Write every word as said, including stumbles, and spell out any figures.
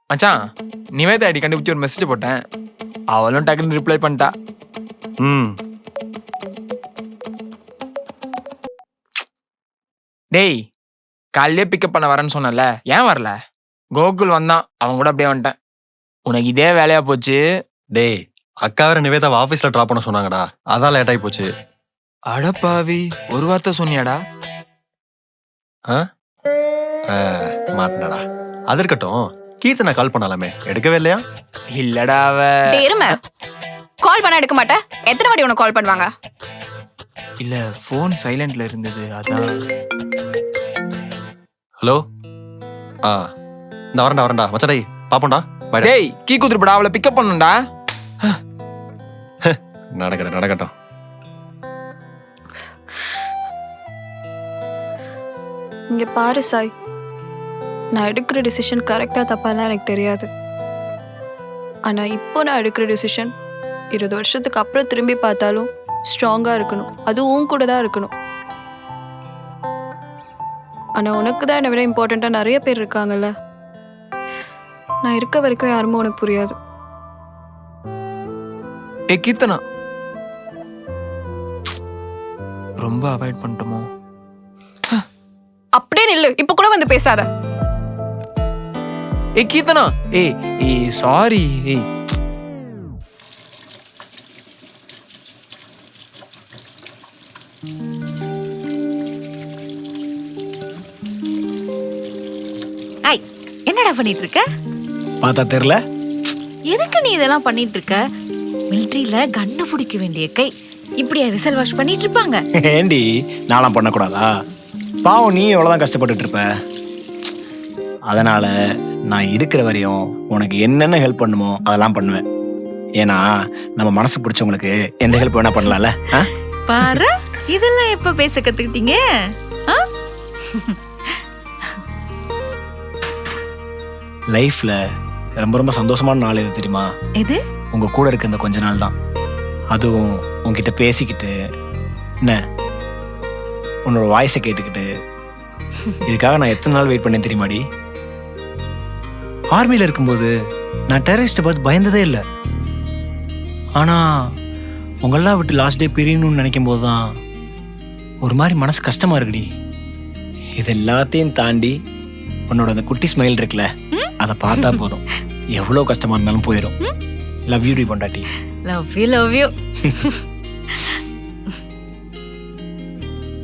மச்சான் நிவேதா ஐடி கண்டுபிடிச்சி ஒரு மெசேஜ் போட்டேன். அவளும் டக்குன்னு ரிப்ளை பண்ணிட்டா. ம் டேய் காலையிலே பிக்கப் பண்ண வரேன்னு சொன்னல, ஏன் வரல? கோகுல் வந்தான், அவன் கூட அப்படியே வந்துட்டேன். உனக்கு இதே வேலையா போச்சு. டேய் அக்கா வேற நிவேதாவை ஆஃபீஸில் ட்ராப் பண்ண சொன்னாங்கடா, அதான் லேட் ஆகி போச்சு. அடப்பாவி, ஒரு வார்த்தை சொன்னியாடா? ஆ மாட்டினடா. அது இருக்கட்டும், கீர்த்தனை கால் பண்ணலாமே, எடுக்கவே இல்லையா? இல்லடா அவ. டேய் இரும, கால் பண்ண எடுக்க மாட்டேன். எத்தனை வாட்டி உனக்கு கால் பண்ணுவாங்க? இல்ல ஃபோன் சைலண்ட்ல இருந்தது, அதான். ஹலோ. ஆ இந்த வரண்டா வரண்டா மச்சடை பாப்போண்டா. டேய் கீ குத்துருப்படா, அவளை பிக்கப் பண்ணுடா. நடக்கட்டும் நடக்கட்டும். இங்க பாரு சாய், நான் எடுக்கிற டிசிஷன் கரெக்டா தப்பாலாம் எனக்கு தெரியாது. ஆனா இப்போ நான் எடுக்கிற டிசிஷன் இருபது வருஷத்துக்கு அப்புறம் திரும்பி பார்த்தாலும் ஸ்ட்ராங்கா இருக்கணும். அதுவும் உன் கூட தான் இருக்கணும். ஆனா உனக்கு தான் என்னை விட இம்பார்ட்டண்டா நிறைய பேர் இருக்காங்கல்ல. நான் இருக்க வரைக்கும் யாருமே உனக்கு புரியாது. ஏ கீர்த்தனா, ரொம்ப அவாய்ட் பண்ணிட்டோமோ? அப்படியே நில்லு, இப்ப கூட வந்து பேசாத. ஏ கீர்த்தனா, ஏய் ஏய் சாரி. ஏய் ஐய், என்னடா பண்ணிட்டு இருக்க? பார்த்தா தெரியல. எதுக்கு நீ இதெல்லாம் பண்ணிட்டு இருக்க? மிலிட்டரியில கண்ணு பிடிக்க வேண்டிய கை இப்படியா விசல் வாஷ் பண்ணிட்டு இருப்பாங்க? ஏண்டி நான்லாம் பண்ணக்கூடாதா? பாவம், நீ எவ்வளோதான் கஷ்டப்பட்டுட்டு இருப்ப. அதனால நான் இருக்கிற வரையும் உனக்கு என்னென்ன ஹெல்ப் பண்ணுமோ அதெல்லாம் பண்ணுவேன். ஏன்னா நம்ம மனசு பிடிச்சவங்களுக்கு எந்த ஹெல்ப் வேணா பண்ணலாம்ல. பாரு, இதெல்லாம் எப்ப பேச கத்துக்கிட்டீங்க? லைஃப்ல ரொம்ப ரொம்ப சந்தோஷமான நாள் எது தெரியுமா? எது? உங்க கூட இருக்க இந்த கொஞ்ச நாள் தான். அதுவும் உங்ககிட்ட பேசிக்கிட்டு, என்ன உன்னோட வாய்ஸை கேட்டுக்கிட்டு, இதுக்காக நான் எத்தனை நாள் வெயிட் பண்ணேன் தெரியுமாடி? ஆர்மியில் இருக்கும்போது நான் டெரரிஸ்ட்டை பார்த்து பயந்ததே இல்லை. ஆனால் உங்களெல்லாம் விட்டு லாஸ்ட் டே பிரியணும்னு நினைக்கும் போது தான் ஒரு மாதிரி மனசு கஷ்டமாக இருக்குடி. இது எல்லாத்தையும் தாண்டி உன்னோட அந்த குட்டி ஸ்மைல் இருக்குல்ல, அதை பார்த்தா போதும், எவ்வளோ கஷ்டமாக இருந்தாலும் போயிடும். லவ் யூ டி பொண்டாட்டி. Love you love you